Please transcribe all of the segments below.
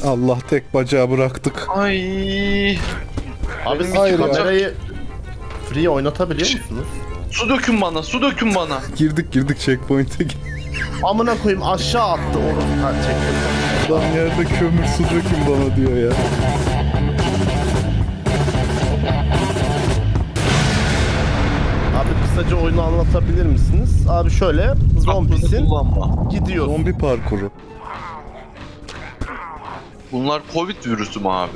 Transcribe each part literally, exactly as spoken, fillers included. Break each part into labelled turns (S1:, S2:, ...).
S1: Allah, tek bacağı bıraktık.
S2: Ay.
S3: Abi siz
S1: Hayır ya.
S3: kamerayı free oynatabiliyor musunuz?
S2: Su dökün bana, su dökün bana.
S1: Girdik girdik checkpoint'e.
S3: Amına koyayım aşağı attı onu. Ha çektim.
S1: Adam yerde kömür su dökün bana diyor ya.
S3: Abi kısaca oyunu anlatabilir misiniz? Abi şöyle zombisin
S2: Aklını kullanma.
S3: gidiyor.
S1: Zombi parkuru.
S2: Bunlar Covid virüsü mü abi?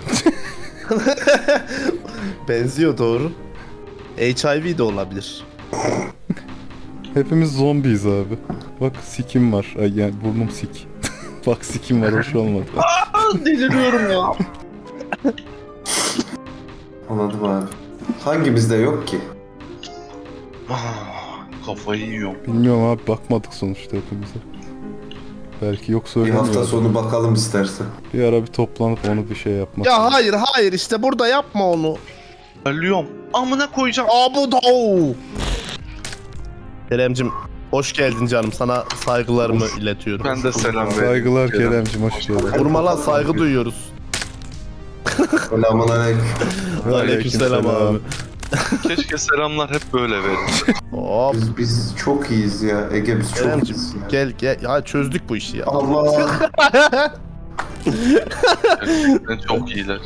S3: Benziyor doğru. H I V de olabilir.
S1: Hepimiz zombiyiz abi. Bak sikim var. Ay yani burnum sik. Bak sikim var, hoş olmadı.
S2: Aa, deliriyorum ya.
S4: Anladım abi. Hangimizde yok ki?
S2: Ah, kafayı yiyorum.
S1: Bilmiyorum abi, bakmadık sonuçta hepimize. Belki yok
S4: Bir
S1: söylemiyor.
S4: hafta sonu bakalım istersen.
S1: Bir ara bir toplanıp onu bir şey yapmak.
S3: Ya hayır hayır işte burada yapma onu.
S2: Ölüyorum. Amına koyacağım.
S3: Abu da. Keremcim hoş geldin canım. Sana saygılarımı iletiyorum.
S2: Ben de selam veriyorum.
S1: Saygılar Kerem'cim, hoş geldin.
S3: Vurmalan saygı duyuyoruz.
S4: Selamun aleyküm.
S3: Aleykümselam abi.
S2: Keşke selamlar hep böyle verin.
S3: Hop.
S4: Biz, biz çok iyiyiz ya. Ege biz çok
S3: Keremcim
S4: iyiyiz ya.
S3: gel gel. Ya çözdük bu işi ya.
S4: Allah.
S2: Gerçekten çok iyiler.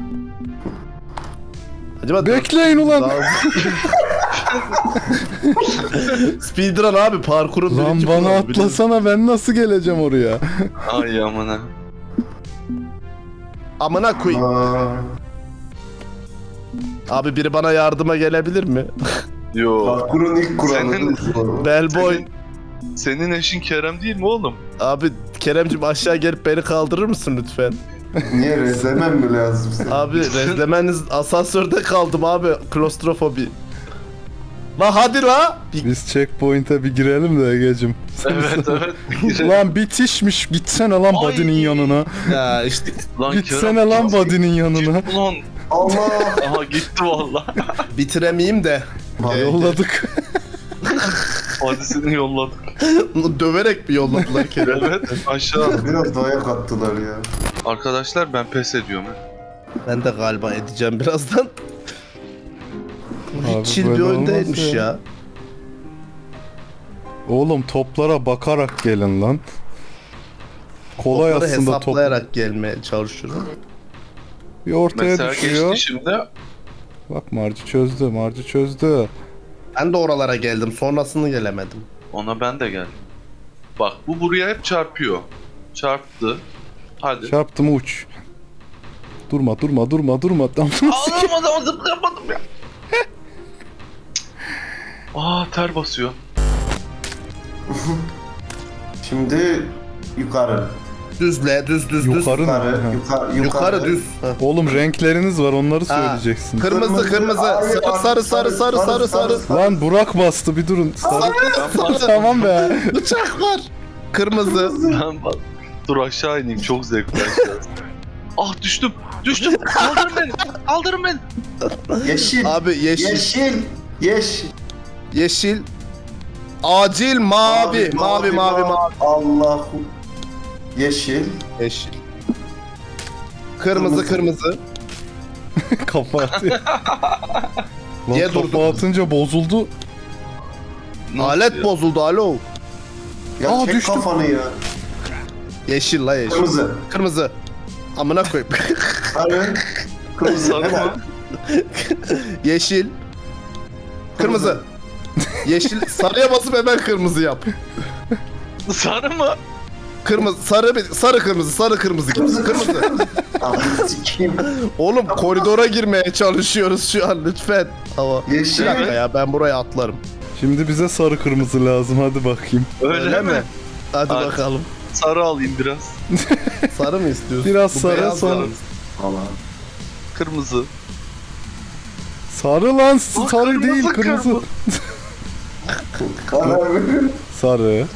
S3: Acaba
S1: Bekleyin ulan.
S3: Daha- Speedrun abi parkurun
S1: Lan
S3: birinci
S1: bana
S3: kuralı,
S1: atlasana, ben nasıl geleceğim oraya?
S2: Ay amına.
S3: Amına koyayım.
S4: Aa,
S3: Abi biri bana yardıma gelebilir mi?
S2: Yo.
S4: parkurun ilk kuralı.
S2: Senin-
S4: bu.
S3: Bellboy.
S2: Senin, senin eşin Kerem değil mi oğlum?
S3: Abi Keremcim aşağı gelip beni kaldırır mısın lütfen?
S4: Niye rezlemem mi lazım senin?
S3: Abi rezlemeniz asansörde kaldım abi. Klostrofobi. La hadi la. Bir-
S1: Biz checkpoint'e bir girelim de Ege'cim.
S2: Evet evet.
S1: Lan bitişmiş, gitsene lan
S2: Ay.
S1: body'nin yanına.
S3: Ya işte
S2: Lan
S1: Gitsene lan body'nin yanına.
S2: Ulan.
S4: Allah.
S2: Aha gitti valla.
S3: bitiremeyeyim de.
S4: Bak,
S1: Yolladık.
S2: Hadisini yolladık.
S3: Döverek bir yolladılar Kerem.
S2: Evet aşağı.
S4: Biraz dayak attılar ya.
S2: Arkadaşlar ben pes ediyorum. he.
S3: Ben de galiba edeceğim birazdan.
S1: Abi
S3: Hiç chill bir
S1: böyle
S3: oyun
S1: olmaz
S3: değilmiş
S1: ya.
S3: ya.
S1: Oğlum toplara bakarak gelin lan. Kolay
S3: Topları
S1: aslında top.
S3: hesaplayarak gelmeye çalışıyorum.
S1: Bir ortaya
S2: Mesela
S1: düşüyor.
S2: geçti şimdi.
S1: Bak Marci çözdü, Marci çözdü.
S3: Ben de oralara geldim. Sonrasını gelemedim.
S2: Ona ben de geldim. Bak bu buraya hep çarpıyor. Çarptı. Hadi.
S1: Çarptı mı uç. Durma, durma, durma, durma. Tamam.
S2: Ağlamadım, zıplayamadım ya. Aa ter basıyor.
S4: Şimdi yukarı.
S3: Düzle, düz düz düz.
S1: Yukarı mı?
S4: Yukarı.
S1: Ha.
S4: Yukarı.
S3: Yukarı düz. Ha.
S1: Oğlum renkleriniz var, onları
S3: Ha.
S1: söyleyeceksin.
S3: Kırmızı kırmızı.
S4: Hayır,
S3: Sarı sarı sarı sarı sarı sarı.
S1: Lan Burak bastı, bir durun. Sarı.
S3: Sarı.
S1: Tamam be.
S3: Bıçak var. Kırmızı.
S2: Ben bak. Dur aşağı ineyim çok zevkli aşağı. Ah düştüm. Düştüm. Kaldırın beni. Kaldırın beni.
S4: Yeşil.
S3: Abi yeşil.
S4: Yeşil. Yeşil.
S3: Yeşil. Acil mavi. Mavi mavi mavi.
S4: Allahu. Yeşil.
S3: Yeşil. Kırmızı kırmızı.
S1: Kafa atıyor. Lan
S3: Niye
S1: kafa
S3: durdun?
S1: atınca bozuldu.
S2: Nasıl
S3: Alet
S2: ya?
S3: bozuldu alo.
S4: Ya
S1: Aa,
S4: çek
S1: düştüm.
S4: kafanı ya.
S3: Yeşil la yeşil.
S4: Kırmızı.
S3: Kırmızı. Amına koyayım.
S4: Sarı. Kırmızı.
S2: Sarı
S4: Hemen.
S2: mı?
S3: Yeşil. Kırmızı. Yeşil. Sarıya basıp hemen kırmızı yap.
S2: Sarı mı?
S3: Kırmızı, sarı, bir- sarı kırmızı, sarı kırmızı git. Kırmızı.
S4: Abi sikeyim.
S3: Oğlum koridora girmeye çalışıyoruz şu an lütfen. Ama
S4: Yeşil.
S3: bir dakika ya ben buraya atlarım.
S1: Şimdi bize sarı kırmızı lazım, hadi bakayım.
S2: Öyle, mi?
S3: Hadi
S2: Hadi.
S3: bakalım.
S2: Sarı alayım biraz.
S3: Sarı mı istiyorsun?
S1: Biraz
S3: Bu
S1: sarı,
S3: beyaz
S1: sarı.
S3: var.
S4: Allah.
S2: Kırmızı.
S1: Sarı lan,
S2: Aa,
S1: sarı
S2: kırmızı,
S1: değil, kırmızı.
S2: kırmızı.
S4: Karar verin.
S1: Sarı.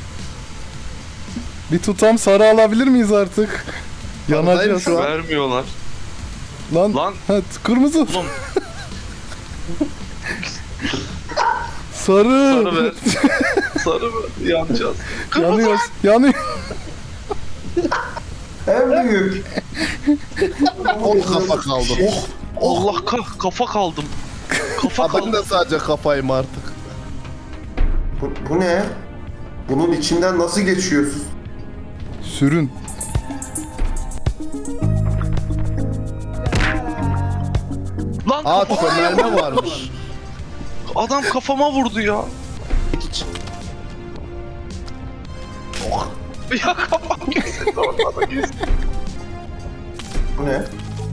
S1: Bir tutam sarı alabilir miyiz artık? Yanacağız.
S3: şu an.
S2: Vermiyorlar.
S1: Lan,
S2: Lan.
S1: Ha, kırmızı.
S2: Oğlum
S1: Sarı.
S2: sarı ver. Sarı mı? Yanacağız. Kırmızı.
S1: Yanıyoruz. Yanıyor.
S4: En büyük.
S3: O kafa kaldı. Oh.
S2: Allah ka- kafa kaldım. Kafa
S3: Ha, ben
S2: kaldım.
S3: de sadece kafayım artık.
S4: Bu, bu ne? Bunun içinden nasıl geçiyorsun?
S1: Sürün.
S2: Lan
S3: Aa
S2: kafama
S3: çömelme varmış.
S2: Adam kafama vurdu ya.
S3: Oh.
S2: Ya kafam kesildi orada da kesildi.
S4: Bu ne?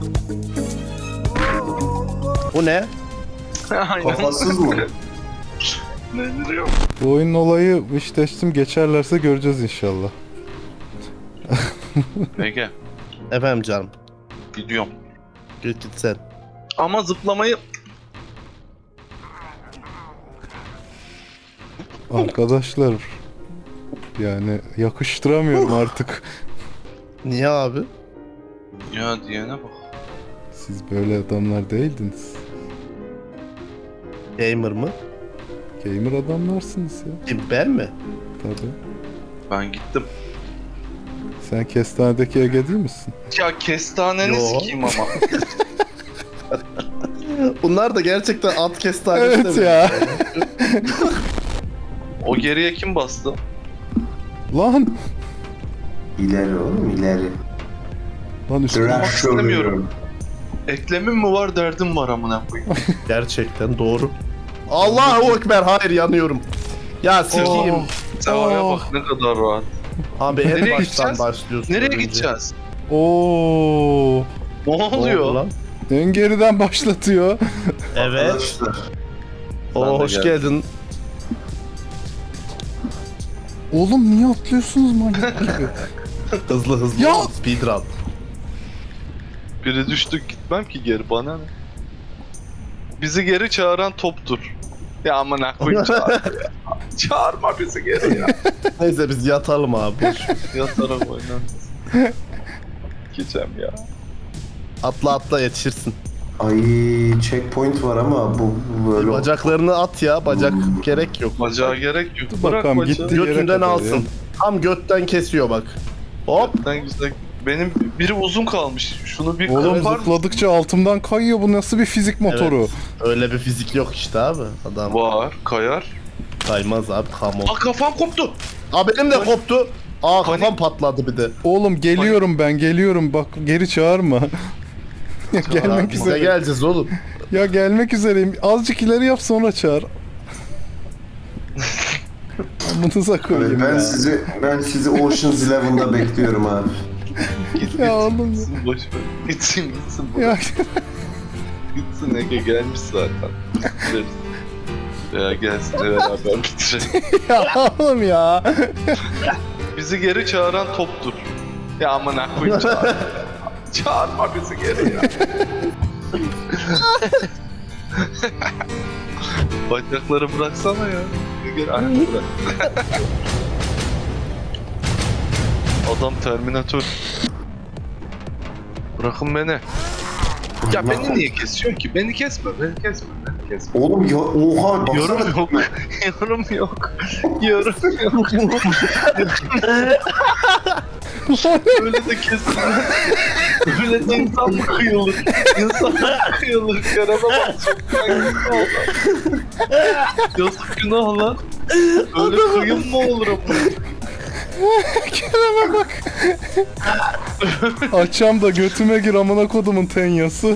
S3: Bu ne?
S2: Aynen.
S4: Kafasız mı?
S2: Ne diyor?
S1: Bu oyunun olayı wish testim geçerlerse göreceğiz inşallah.
S2: Ege
S3: Efendim canım.
S2: gidiyorum.
S3: Git git sen.
S2: Ama zıplamayı
S1: Arkadaşlar yani yakıştıramıyorum artık.
S3: Niye abi?
S2: ya diyene bak.
S1: Siz böyle adamlar değildiniz.
S3: Gamer mı?
S1: Gamer adamlarsınız ya.
S3: Kim ben mi?
S1: Tabii.
S2: Ben gittim.
S1: Sen kestanedeki Ege değil misin?
S2: Ya kestaneni
S3: Yo.
S2: sikeyim ama.
S3: Bunlar da gerçekten at kestanesi
S1: Evet ya.
S2: O geriye kim bastı?
S1: Lan!
S4: İleri oğlum ileri.
S1: Lan üstüne
S4: Crash
S2: istemiyorum. Eklemim mi var derdim var amına koyayım.
S3: Gerçekten doğru. Allahu Ekber, hayır yanıyorum. Ya sikiyim.
S1: Oh.
S2: Sevaya
S1: Oh.
S2: bak ne kadar rahat.
S3: Abi en
S2: Nereye
S3: baştan
S2: gideceğiz?
S3: başlıyorsun.
S2: Nereye
S3: önce.
S2: gideceğiz?
S1: Oo!
S2: Ne
S3: Ne oldu
S2: oluyor?
S3: lan?
S1: En geriden başlatıyor.
S3: Evet.
S4: Arkadaşlar.
S3: Oo,
S2: Ben de
S3: hoş
S2: geldim.
S3: geldin.
S1: Oğlum niye atlıyorsunuz manyak gibi?
S3: Hızlı hızlı.
S1: Ya!
S3: Speedrun.
S2: Biri düştük gitmem ki geri bana ne? Bizi geri çağıran toptur. Ya amına koyayım çağır. Çağırma bizi geri ya.
S3: Neyse biz yatalım abi. boş ver.
S2: Yatarak oynan. Geçem ya.
S3: Atla atla yetişirsin.
S4: Ay checkpoint var ama bu, bu böyle.
S3: Bacaklarını at ya. Bacak gerek yok.
S2: Bacağa gerek yok.
S1: Dur
S2: Bırak
S1: bakalım,
S2: bacağı.
S1: gitti. yere
S3: Götünden
S1: kadar
S3: alsın.
S1: ya.
S3: Tam götten kesiyor bak. Hop.
S2: Ben güzel. Benim biri uzun kalmış. Şunu bir
S1: Oğlum
S2: kırpar mısın?
S1: zıpladıkça altımdan kayıyor, bu nasıl bir fizik motoru?
S3: Evet. Öyle bir fizik yok işte abi. Adam
S2: Var, kayar.
S3: kaymaz abi. Come
S2: Aa
S3: on.
S2: kafam koptu.
S3: Aa benim de koptu. Aa
S2: Panik.
S3: kafam patladı bir de.
S1: Oğlum geliyorum ben geliyorum, bak geri çağırma. Ya
S3: Aa,
S1: gelmek
S3: biz de
S1: üzere.
S3: geleceğiz oğlum.
S1: Ya gelmek üzereyim. Azıcık ileri yap sonra çağır. Amınıza koyayım
S4: Ben
S1: ya.
S4: sizi ben sizi Ocean's Eleven'da bekliyorum abi.
S2: Git
S1: Ya
S2: git.
S1: oğlum ya.
S2: Gitsin boş ver. Gitsin gitsin.
S1: Ya
S2: Gitsin Ege gelmiş zaten. Bitiririz. Ya gelsin de beraber bitirelim.
S1: ya oğlum ya.
S2: Bizi geri çağıran toptur. Ya amına koyayım çağır. Çağırma bizi geri ya. Bacakları bıraksana ya. Gel ayak bırak. Adam Terminator. Bırakın beni. Ya beni niye kesiyorsun ki? Beni kesme, beni kesme, beni kesme.
S4: Oğlum ya oha baksana.
S2: Yorum yok, yorum yok, yorum yok. Öyle de kesilmez. Öyle de insan mı kıyılır? İnsan mı kıyılır? Karana bak çok kaygısı oldu. Yazık günah lan. Öyle kıyım mı olur ama?
S1: Kerem'e bak. Açam da götüme gir amına kodumun tenyası.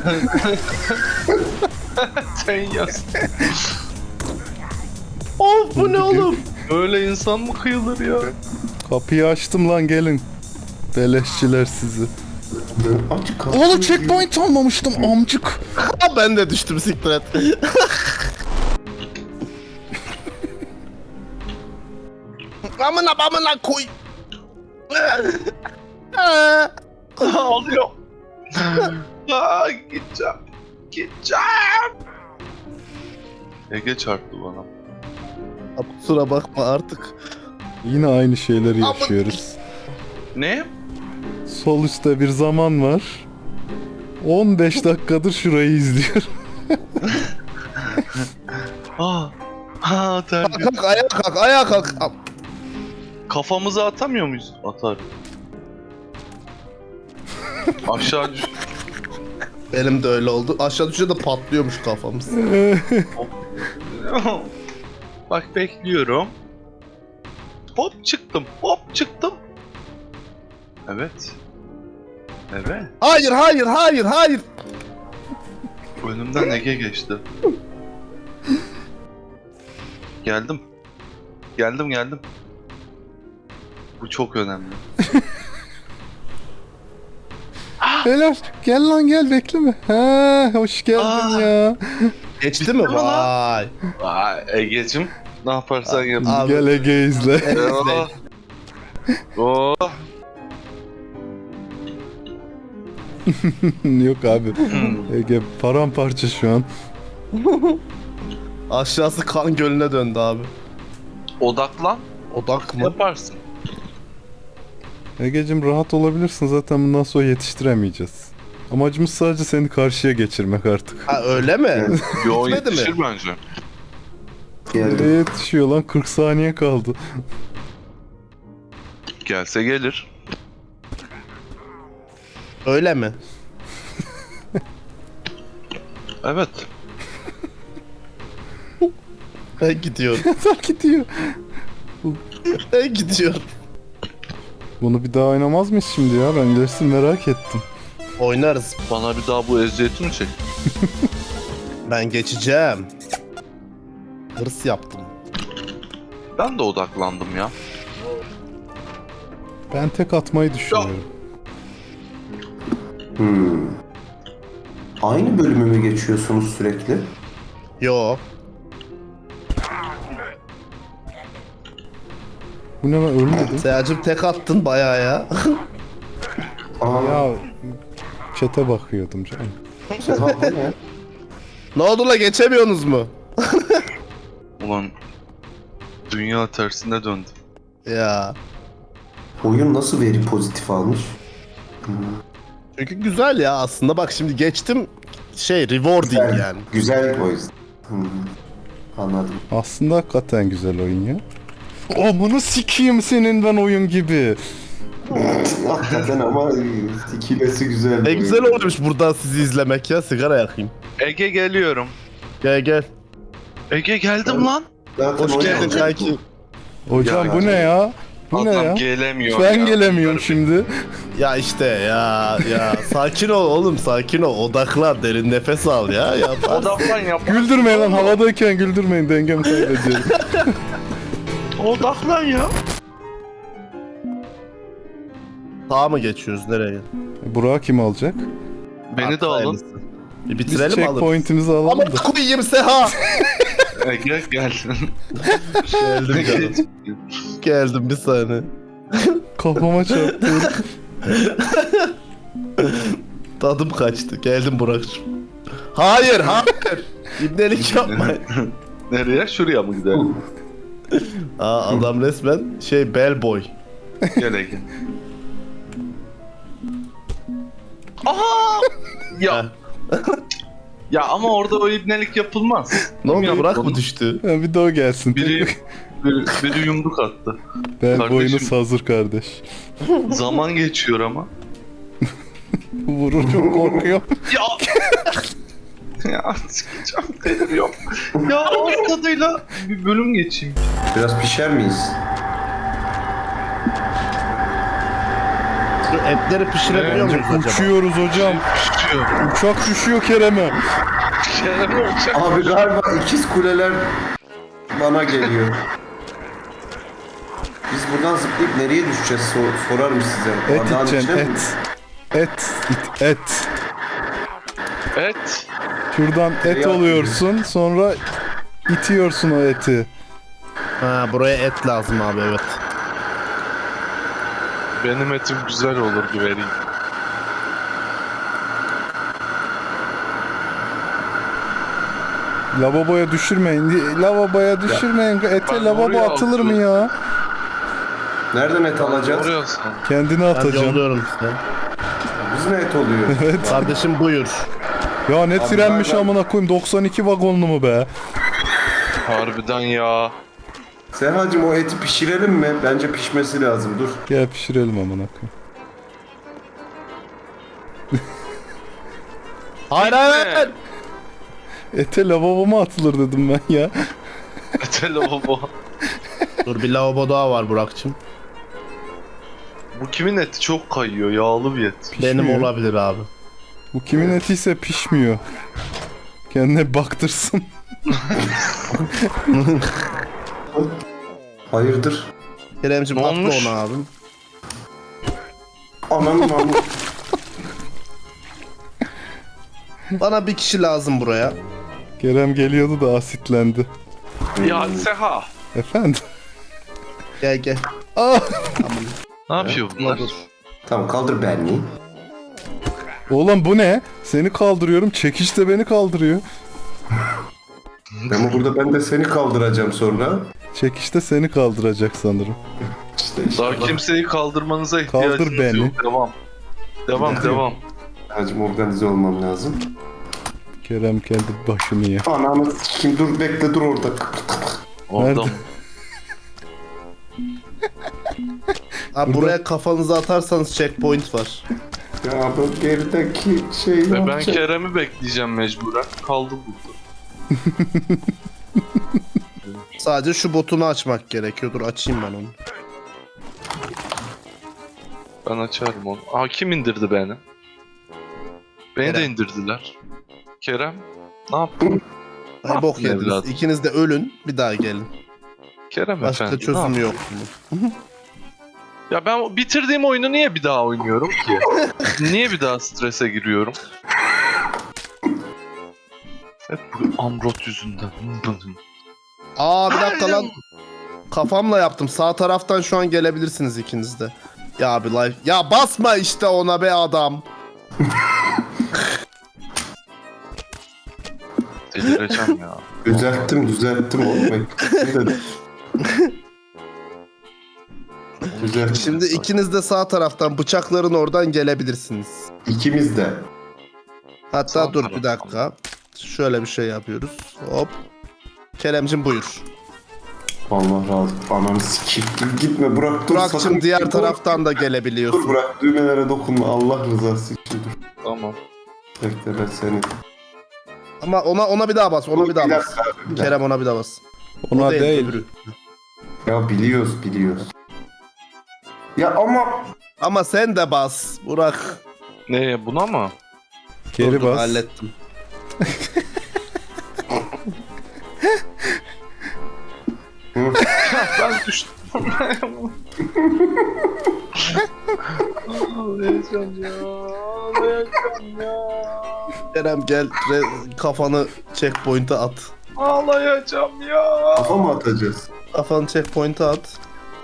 S2: Sen yaz.
S3: Of bu ne oğlum?
S2: Öyle insan mı kıyılır ya?
S1: Kapıyı açtım lan, gelin. Beleşçiler sizi.
S4: Aç kapıyı.
S1: Oğlum checkpoint almamıştım amcık.
S3: Aa, ben de düştüm siktir et. Amına amına koy.
S2: Ağlıyor. Aa, gideceğim. Gideceğim. Ege çarptı bana.
S3: Abi, kusura bakma artık.
S1: Yine aynı şeyleri yaşıyoruz.
S2: Ne?
S1: Sol üstte bir zaman var. on beş dakikadır şurayı izliyorum.
S2: Aa. Ha
S3: Kalk
S2: terbiye.
S3: kalk ayağa kalk ayağa kalk.
S2: Kafamızı atamıyor muyuz? Atar. Aşağı düş.
S3: Benim de öyle oldu. Aşağı düşünce de patlıyormuş kafamız.
S2: Bak bekliyorum. Hop çıktım. Hop çıktım. Evet. Evet.
S3: Hayır hayır hayır hayır.
S2: Önümden Ege geçti. Geldim. Geldim geldim. Bu çok önemli.
S1: Helal. Gel lan gel bekleme. Ha, hoş geldin
S2: Aa.
S1: ya.
S3: Geçti mi?
S2: mi lan?
S3: Vay.
S2: Vay Ege'cim. Ne yaparsan yap.
S3: Abi.
S1: Gel Ege izle.
S2: Oh. Oh.
S1: Yok abi. Ege paramparça şu an.
S3: Aşağısı kan gölüne döndü abi.
S2: Odaklan.
S3: Odak mı?
S2: Yaparsın.
S1: Ege'cim rahat olabilirsin, zaten bundan sonra yetiştiremeyeceğiz. Amacımız sadece seni karşıya geçirmek artık.
S3: Ha öyle mi?
S2: Yo
S3: Bitmedi mi?
S2: yetişir bence.
S1: Nereye
S4: Geldim.
S1: yetişiyor lan? kırk saniye kaldı.
S2: Gelse gelir.
S3: Öyle mi?
S2: Evet.
S3: Ben gidiyorum.
S1: Yeter gidiyor.
S3: Ben gidiyorum.
S1: Bunu bir daha oynamaz mıyız şimdi ya? Ben ilerisini merak ettim.
S3: Oynarız.
S2: Bana bir daha bu eziyeti mi çek?
S3: Ben geçeceğim. Hırs yaptım.
S2: Ben de odaklandım ya.
S1: Ben tek atmayı düşünüyorum.
S4: Hmm. Aynı bölümü mü geçiyorsunuz sürekli?
S3: Yo.
S1: Bu ne lan, ölmedi.
S3: Seyacım tek attın bayağı ya.
S4: Aa,
S1: Ya çete bakıyordum canım.
S4: Seha bu ne?
S3: Ne oldu la, geçemiyorsunuz mu?
S2: Ulan dünya tersine döndü.
S3: Ya.
S4: Oyun nasıl veri pozitif almış?
S3: Çünkü güzel ya aslında, bak şimdi geçtim, şey rewarding
S4: Güzel,
S3: yani.
S4: güzel o yüzden. Hmm. Anladım.
S1: Aslında hakikaten güzel oyun ya. O bunu sikeyim senin ben oyun gibi.
S4: Hakikaten ama sikilesi güzel. bir
S3: Ne
S4: oyun.
S3: güzel olmuş buradan sizi izlemek ya, sigara yakayım.
S2: Ege geliyorum.
S3: Gel gel.
S2: Ege geldim lan.
S4: Zaten
S3: Hoş
S4: oyun-
S3: geldin kanki.
S1: Hocam
S2: Ya,
S1: bu ne ya? Bu ne
S2: Adam
S1: ya?
S2: gelemiyor.
S1: Ben
S2: ya.
S1: gelemiyorum şimdi.
S3: Ya işte ya ya sakin ol oğlum, sakin ol, odaklan, derin nefes al ya. ya
S2: Odaklan yap.
S1: Güldürmeyin lan, havadayken güldürmeyin, dengemi kaybediyorum.
S2: Odaklan ya.
S3: Sağa mı geçiyoruz, nereye?
S1: Burak'ı kim alacak?
S2: Beni de alın.
S3: Bir
S1: Biz
S3: bitirelim alırız.
S1: checkpoint'imizi alalım
S3: Ama
S1: da.
S3: koyayım Seha.
S2: Ege gel.
S3: Geldim canım. Geldim bir saniye.
S1: Kafama çarptı.
S3: Tadım kaçtı. Geldim Burak'cığım. Hayır hayır. İbnelik yapma.
S2: Nereye? Şuraya mı gidelim?
S3: Aa, adam resmen şey bellboy.
S2: Gel Ege. Aha! Ya. Ya ama orada o ibnelik yapılmaz.
S3: Ne oldu,
S2: Kim
S3: Burak
S2: yaptı
S3: mı
S2: onu?
S3: düştü?
S1: Ha, bir de o gelsin.
S2: Biri, biri, biri yumruk attı.
S1: Ben
S2: Kardeşim.
S1: boyunuz hazır kardeş.
S2: Zaman geçiyor ama.
S1: Vurur, çok korkuyorum.
S2: Ya! Ya sıkacağım deliriyorum. Ya ağız tadıyla bir bölüm geçeyim.
S4: Biraz pişer miyiz?
S3: Şu etleri pişirebiliyor muyuz acaba?
S1: Uçuyoruz hocam.
S2: Düşüyor.
S1: Uçak düşüyor Kerem'e.
S2: Kerem olacak.
S4: Abi galiba ikiz kuleler bana geliyor. Biz buradan zıplayıp nereye düşeceğiz sor- sorarım size.
S1: Et
S4: Bardağın
S1: içeceksin,
S4: içine mi?
S1: et. Et, it, et.
S2: Evet.
S1: Şuradan et
S4: Tereyağı
S1: oluyorsun, sonra itiyorsun o eti.
S3: Ha, buraya et lazım abi, evet.
S2: Benim etim güzel olur güvereyim.
S1: Lavaboya düşürmeyin. Lavaboya düşürmeyin. Ete
S2: ben
S1: lavabo
S2: oraya
S1: atılır mı
S2: atıyorum.
S1: ya?
S4: Nereden et alacağız?
S2: Oraya sen.
S1: Kendini
S3: Ben
S1: atacaksın.
S3: yolluyorum size.
S4: Biz ne et oluyor?
S1: Evet.
S3: Kardeşim buyur.
S1: Ya ne
S4: Abi
S1: trenmiş
S4: ben-
S1: amına koyayım, doksan iki vagonlu mu be?
S2: Harbiden ya.
S4: Sehacım o eti pişirelim mi? Bence pişmesi lazım. Dur.
S1: Gel pişirelim amına koyayım.
S3: Hayır hayır hayır.
S1: Ete lavabo mu atılır dedim ben ya.
S2: Ete lavabo.
S3: Dur bir lavabo daha var Burak'cığım.
S2: Bu kimin eti çok kayıyor, yağlı bir et.
S3: Benim
S1: Pişmiyor.
S3: olabilir abi.
S1: Bu kimin etiyse pişmiyor. Kendine baktırsın.
S4: Hayırdır?
S3: Kerem'cim
S2: Ne
S3: atla
S2: olmuş?
S3: onu abim.
S4: Anam anam.
S3: Bana bir kişi lazım buraya.
S1: Kerem geliyordu da asitlendi.
S2: Ya Seha.
S1: Efendim?
S3: Gel gel.
S1: Ah!
S2: Ne yapıyor bunlar?
S3: Dur.
S4: Tamam kaldır beni.
S1: Oğlum bu ne? Seni kaldırıyorum, çekiç de beni kaldırıyor.
S4: Ama burada ben de seni kaldıracağım sonra.
S1: Çekiç de seni kaldıracak sanırım.
S4: İşte işte.
S2: Daha kimseyi kaldırmanıza ihtiyacınız
S1: Kaldır beni.
S2: yok. Devam. Devam devam.
S4: Hacım organize olmam lazım.
S1: Kerem kendi başını ye.
S4: Ananı kim dur bekle dur orada.
S2: Orada
S1: Nerede?
S2: mı?
S3: Abi
S1: Burada-
S3: buraya kafanızı atarsanız checkpoint var.
S4: Ya bu gerideki şey
S2: Ve ben
S4: yapacak.
S2: Kerem'i bekleyeceğim mecburen. Kaldı burada.
S3: Sadece şu botunu açmak gerekiyor. Dur açayım ben onu.
S2: Ben açarım onu. Aa kim indirdi beni? Beni de
S3: Kerem.
S2: indirdiler. Kerem. Ne yaptın?
S3: Ay bok
S2: yaptın
S3: yediniz.
S2: evladım?
S3: İkiniz de ölün. Bir daha gelin.
S2: Kerem
S3: Başka
S2: efendi. ne
S3: çözüm
S2: yaptın?
S3: yok.
S2: Ya ben bitirdiğim oyunu niye bir daha oynuyorum ki? Niye bir daha strese giriyorum? Hep bu Amrot yüzünden.
S3: Aa bir dakika lan. Kafamla yaptım. Sağ taraftan şu an gelebilirsiniz ikiniz de. Ya abi life. Ya basma işte ona be adam.
S2: Delireceğim ya.
S4: Düzelttim düzelttim oğlum. Düzelttim.
S3: Şimdi ikiniz de sağ taraftan bıçakların oradan gelebilirsiniz.
S4: İkimiz de.
S3: Hatta
S2: Sağ
S3: dur
S2: taraftan.
S3: bir dakika. Şöyle bir şey yapıyoruz. Hop. Keremcim buyur.
S4: Allah razı olsun. Ananı sikeyim. Dur gitme bırak dur.
S3: Burak'cığım
S4: sakın
S3: diğer
S4: dur.
S3: taraftan da
S4: Dur
S3: gelebiliyorsun.
S4: bırak düğmelere dokunma Allah rızası için dur.
S2: Tamam.
S4: Bekle ben seni.
S3: Ama ona ona bir daha bas. Ona bir daha bas.
S4: dakika, bir dakika.
S3: Kerem ona bir daha bas.
S1: Ona
S3: O
S1: değil.
S3: öbürü.
S4: Ya biliyoruz biliyoruz. Ya ama
S3: Ama sen de bas Burak.
S2: Ne buna mı?
S1: Geri
S3: Dur, dur,
S1: bas.
S3: hallettim.
S2: Ben düştüm. Ağlayacağım ya. Ağlayacağım ya.
S3: Kerem gel re- kafanı checkpoint'e at.
S2: Ağlayacağım ya.
S4: kafa mı atacağız?
S3: Kafanı checkpoint'e at.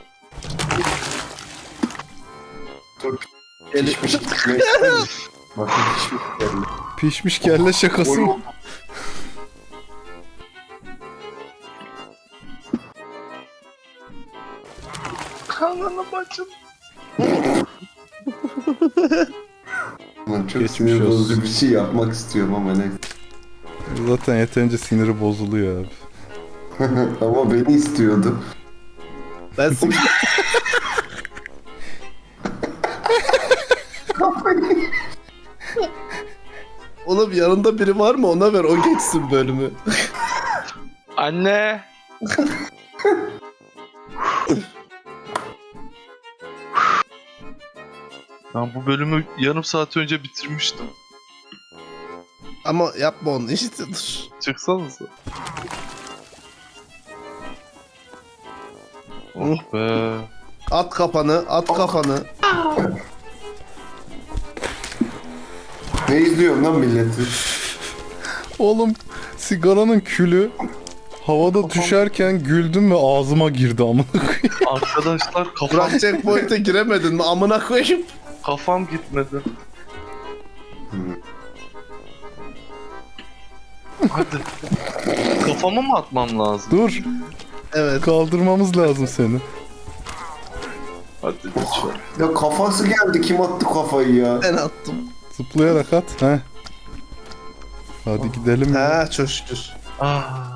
S4: Dur.
S3: Gel-
S4: Pişmiş gitmek ister misin? Bakın pişmiş geldi.
S1: Pişmiş kelle şakası mı?
S2: Kanını bacım.
S4: Ulan çok
S1: Geçmiş
S4: sinir bozucu
S1: olsun.
S4: bir şey yapmak istiyorum ama neyse.
S1: Zaten yeterince siniri bozuluyor abi.
S4: Ama beni istiyordu.
S3: Ben sim- Oğlum yanında biri var mı? Ona ver o geçsin bölümü.
S2: Anne. Ben bu bölümü yarım saat önce bitirmiştim.
S3: Ama yapma onu işte dur.
S2: Çıksanıza. Oh be.
S3: At kafanı, at kafanı.
S4: Ne izliyorsun lan milleti?
S1: Oğlum sigaranın külü havada düşerken güldüm ve ağzıma girdi amına koyayım.
S2: Arkadaşlar kafam,
S3: Burak checkpoint'e giremedin mi? Amına koyayım.
S2: kafam gitmedi. Hadi. Kafamı mı atmam lazım?
S1: Dur,
S3: Evet.
S1: kaldırmamız lazım seni.
S2: Hadi lütfen.
S4: Ya kafası geldi kim attı kafayı ya?
S3: Ben attım.
S1: Zıplayarak at. Heh. Hadi gidelim. ya.
S3: Ha çok şükür.
S2: Ah.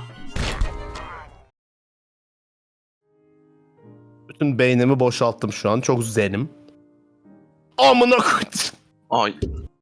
S3: Bütün beynimi boşalttım şu an. Çok zenim. Amına koydum.
S2: Ay.